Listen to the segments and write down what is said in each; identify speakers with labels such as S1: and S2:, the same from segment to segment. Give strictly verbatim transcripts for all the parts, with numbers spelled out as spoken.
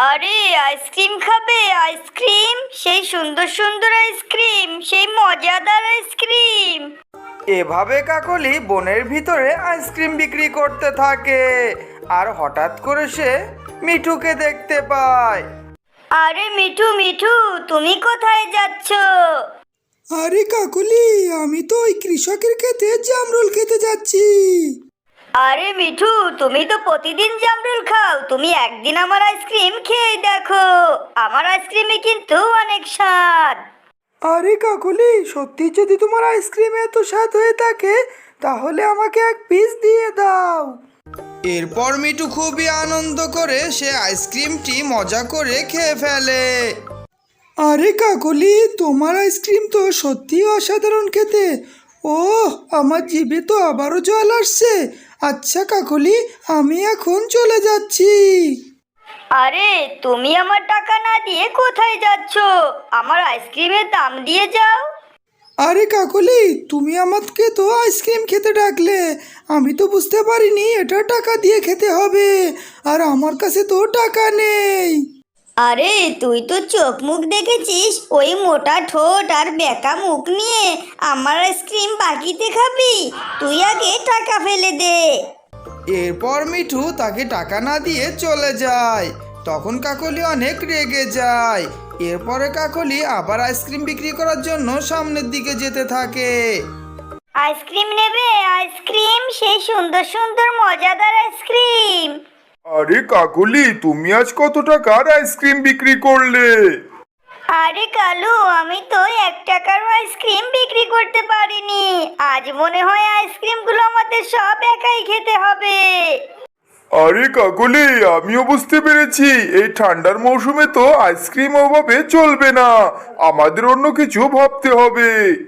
S1: আরে আইসক্রিম খাবে? আইসক্রিম, সেই সুন্দর সুন্দর আইসক্রিম, সেই মজাদার আইসক্রিম।
S2: এভাবে কাকলি বনের ভিতরে আইসক্রিম বিক্রি করতে থাকে। আর হঠাৎ করে সে মিঠুকে দেখতে পায়।
S1: আরে মিঠু মিঠু, তুমি কোথায় যাচ্ছ?
S3: আরে কাকলি, আমি তো ওই কৃষকের ক্ষেতে জামরুল খেতে যাচ্ছি।
S1: আরে মিঠু, তুমি তো প্রতিদিন জামরুল খাও, তুমি একদিন আমার আইসক্রিম খেয়ে দেখো। আমার আইসক্রিমে কিন্তু অনেক স্বাদ।
S3: আরে কাকলি, সত্যি যদি তোমার আইসক্রিম এত স্বাদ হয়ে থাকে তাহলে আমাকে এক পিস দিয়ে দাও।
S2: এরপর মিঠু খুবই আনন্দ করে সে আইসক্রিমটি মজা করে খেয়ে ফেলে।
S3: আরে কাকলি, তোমার আইসক্রিম তো সত্যি অসাধারণ খেতে। ওহ, আমার জিভে তো আবারও জল আসছে। আচ্ছা কাকলি, আমি এখন চলে যাচ্ছি।
S1: আরে তুমি আমার টাকা না দিয়ে কোথায় যাচ্ছ? আমার আইসক্রিমের দাম দিয়ে যাও।
S3: আরে কাকলি, তুমি আমাকে তো আইসক্রিম খেতে ডাকলে, আমি তো বুঝতে পারিনি এটা টাকা দিয়ে খেতে হবে, আর আমার কাছে তো টাকা নেই।
S1: আরে তুই তো চোখ মুখ দেখেছিস, ওই মোটা ঠোঁট আর বেঁকা মুখ নিয়ে আমার আইসক্রিম বাকিতে খাবি? তুই আগে টাকা ফেলে দে।
S2: এরপর মিঠু তাকে টাকা না দিয়ে চলে যায়। তখন কাকলি অনেক রেগে যায়। এরপরে কাকলি আবার আইসক্রিম বিক্রি করার জন্য সামনের দিকে যেতে থাকে।
S1: আইসক্রিম নেবে? আইসক্রিম, সেই সুন্দর সুন্দর মজাদার আইসক্রিম।
S4: আরে কাকলি, তুমি আজ কত টাকার আইসক্রিম বিক্রি করলে?
S1: আরে কালু, আমি তো এক টাকার আইসক্রিম বিক্রি করতে পারিনি। আজ মনে হয় আইসক্রিমগুলো আমাদের সব একাই খেতে হবে।
S4: আরে কাকলি, আমিও বুঝতে পেরেছি এই ঠান্ডার মৌসুমে তো আইসক্রিম অভাবে চলবে না, আমাদের অন্য কিছু ভাবতে হবে।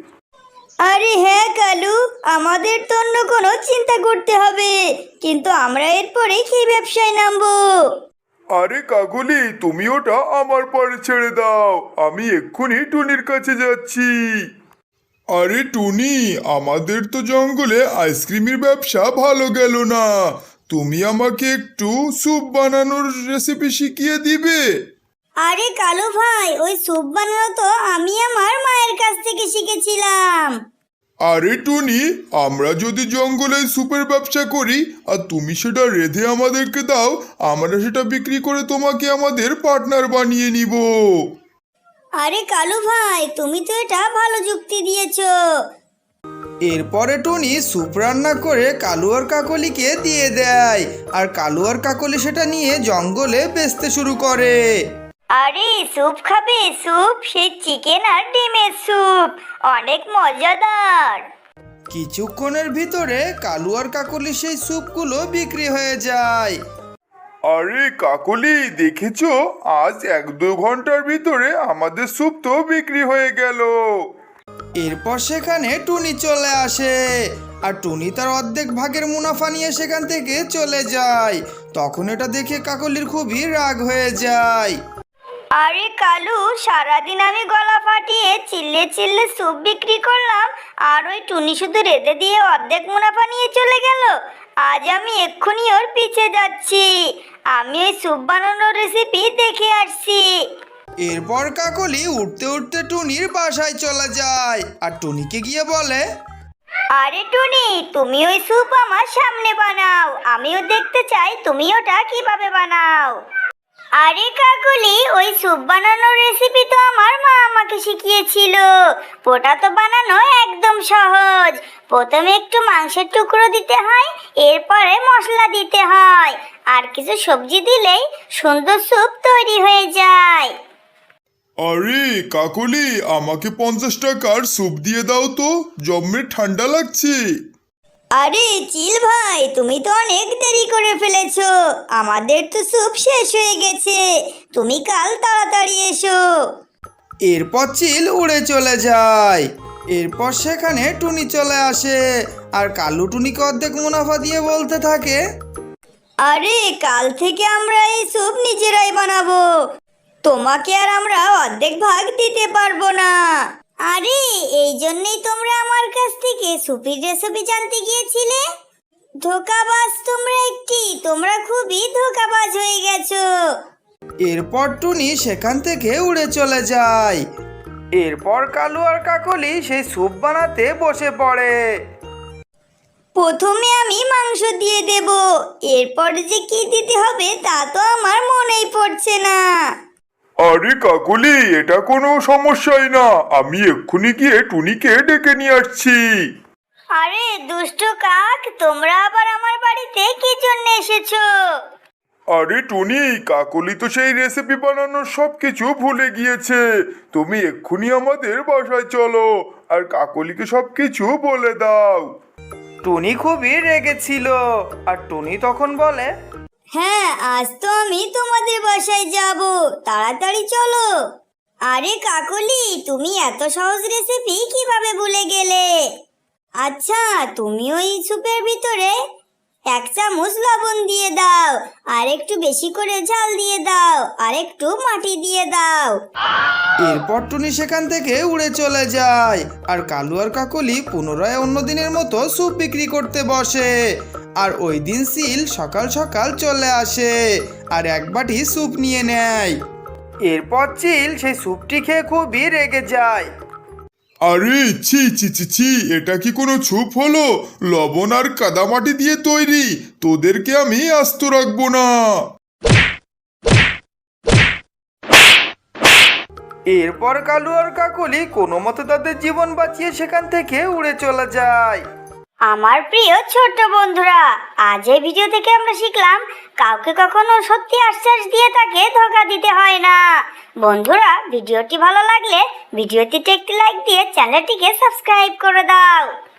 S1: আরে হ্যাঁ কালু, আমাদের তো অন্য কোনো চিন্তা করতে হবে, কিন্তু আমরা এরপরে কি ব্যবসায় নামবো?
S4: আরে কাকলি, তুমি ওটা আমার পরে ছেড়ে দাও, আমি এক্ষুনি টুনির কাছে যাচ্ছি। আরে টুনি, আমাদের তো জঙ্গলে আইসক্রিমের ব্যবসা ভালো গেল না, তুমি আমাকে একটু স্যুপ বানানোর রেসিপি শিখিয়ে দিবে?
S1: আরে কালু ভাই, ওই স্যুপ বানানো তো আমি আমার মায়ের কাছ থেকে শিখেছিলাম।
S4: আরে টুনি, আমরা যদি জঙ্গলে স্যুপের ব্যবসা করি আর তুমি সেটা রেঁধে আমাদেরকে দাও, আমরা সেটা বিক্রি করে তোমাকে আমাদের পার্টনার বানিয়ে নিব।
S1: আরে কালু ভাই, তুমি তো এটা ভালো যুক্তি দিয়েছো।
S2: এরপরে টুনি স্যুপ রান্না করে কালু আর কাকলিকে দিয়ে দেয়। আর কালু আর কাকলি সেটা নিয়ে জঙ্গলে বেচতে শুরু করে।
S1: আরে স্যুপ খাবে? স্যুপ, সেই চিকেন আর ডিমের স্যুপ, অনেক মজাদার।
S2: কিছুক্ষণের ভিতরে কালু আর কাকলি সেই স্যুপগুলো বিক্রি হয়ে যায়।
S4: আরে কাকলি, দেখেছো আজ এক দু ঘন্টার ভিতরে আমাদের স্যুপ তো বিক্রি হয়ে গেল।
S2: এরপর সেখানে টুনি চলে আসে। আর টুনি তার অর্ধেক ভাগের মুনাফা নিয়ে সেখান থেকে চলে যায়। তখন এটা দেখে কাকলির খুবই রাগ হয়ে যায়।
S1: আরে কালু, সারাদিন আমি গলা ফাটিয়ে চিল্লে চিল্লে স্যুপ বিক্রি করলাম, আর ওই টুনি শুধু রেঁধে দিয়ে অর্ধেক মুনাফা নিয়ে চলে গেল। আজ আমি এক্ষুনি ওর পিছে যাচ্ছি, আমি ওই স্যুপ বানানোর রেসিপি দেখে আসছি।
S2: এরপর কাকলি উঠতে উঠতে টুনির বাসায় চলে যায় আর টুনিকে গিয়ে বলে,
S1: আরে টুনি, তুমি ওই স্যুপ আমার সামনে বানাও, আমিও দেখতে চাই তুমি ওটা কিভাবে বানাও। আরে কাকুলি, ওই স্যুপ বানানোর রেসিপি তো আমার মা আমাকে শিখিয়েছিল। ওটা তো বানানো একদম সহজ। প্রথমে একটু মাংসের টুকরো দিতে হয়, এরপরে মশলা দিতে হয়, আর কিছু সবজি দিলেই সুন্দর স্যুপ তৈরি হয়ে যায়।
S4: আরে কাকলি, আমাকে পঞ্চাশ টাকার স্যুপ দিয়ে দাও তো, জম্মে ঠান্ডা লাগছে।
S1: আরে চিল ভাই, তুমি তো অনেক দেরি করে ফেলেছো, আমাদের তো স্যুপ শেষ হয়ে গেছে, তুমি কাল তাড়াতাড়ি এসো।
S2: এরপর চিল উড়ে চলে যায়। এরপর সেখানে টুনি চলে আসে আর কালু টুনিকে অর্ধেক মুনাফা দিয়ে বলতে থাকে,
S1: আরে কাল থেকে আমরা এই স্যুপ নিজেরাই বানাবো, তোমাকে আর আমরা অর্ধেক ভাগ দিতে পারবো না। আরে এই জন্যই তোমরা আমার কাছ থেকে স্যুপের রেসিপি জানতে গিয়েছিলে? ধোকাবাজ তোমরা একটি, তোমরা খুবই ধোকাবাজ হয়ে গেছো।
S2: এরপর টুনি সেখান থেকে উড়ে চলে যায়। এরপর কালু আর কাকলি সেই স্যুপ বানাতে বসে পড়ে।
S1: প্রথমে আমি মাংস দিয়ে দেব, এরপর যে কি দিতে হবে তা তো আমার মনেই পড়ছে না।
S4: আরে কাকলি, এটা কোনো সমস্যাই না, আমি এক্ষুনি গিয়ে টুনিকে ডেকে নিয়ে আসছি।
S1: আরে দুষ্টু কাক, তোমরা আবার আমার বাড়িতে কি জন্য এসেছো?
S4: আরে টুনি, কাকলি তো সেই রেসিপি বানানোর সব কিছু ভুলে গিয়েছে। তুমি এক্ষুনি আমাদের বাসায় চলো আর কাকলিকে সব কিছু বলে দাও।
S2: টুনি খুবই রেগেছিল আর টুনি তখন বলে,
S1: হ্যাঁ, আজ তো আমি তোমাদের বাসায় যাব, তাড়াতাড়ি চলো। আরে কাকলি, তুমি এত সহজ রেসিপি কিভাবে ভুলে গেলে? আচ্ছা, তুমি ওই স্যুপের ভিতরে এক চামচ লবণ দিয়ে দাও, আর একটু বেশি করে ঝাল দিয়ে দাও, আর একটু মাটি দিয়ে দাও।
S2: এরপর টুনি সেখান থেকে উড়ে চলে যায় আর কালু আর কাকলি পুনরায় অন্য দিনের মতো স্যুপ বিক্রি করতে বসে। আর ওই দিন সিল সকাল সকাল চলে আসে আর এক বাটি স্যুপ নিয়ে নেয়। এরপর চিল সেই স্যুপটি খেয়ে খুবই রেগে যায়।
S4: আরে ছি ছি ছি ছি, এটা কি কোনো স্যুপ হলো? লবণ আর কাদামাটি দিয়ে তৈরি, তোদেরকে আমি আস্ত রাখবো না।
S2: এরপর কালু আর কাকলি কোনো মতে তাদের জীবন বাঁচিয়ে সেখান থেকে উড়ে চলে যায়।
S1: আমার প্রিয় ছোট্ট বন্ধুরা, আজ এই ভিডিও থেকে আমরা শিখলাম কাউকে কখনো সত্যি আশ্বাস দিয়ে তাকে ধোঁকা দিতে হয় না। বন্ধুরা, ভিডিওটি ভালো লাগলে ভিডিওটিতে একটি লাইক দিয়ে চ্যানেলটিকে সাবস্ক্রাইব করে দাও।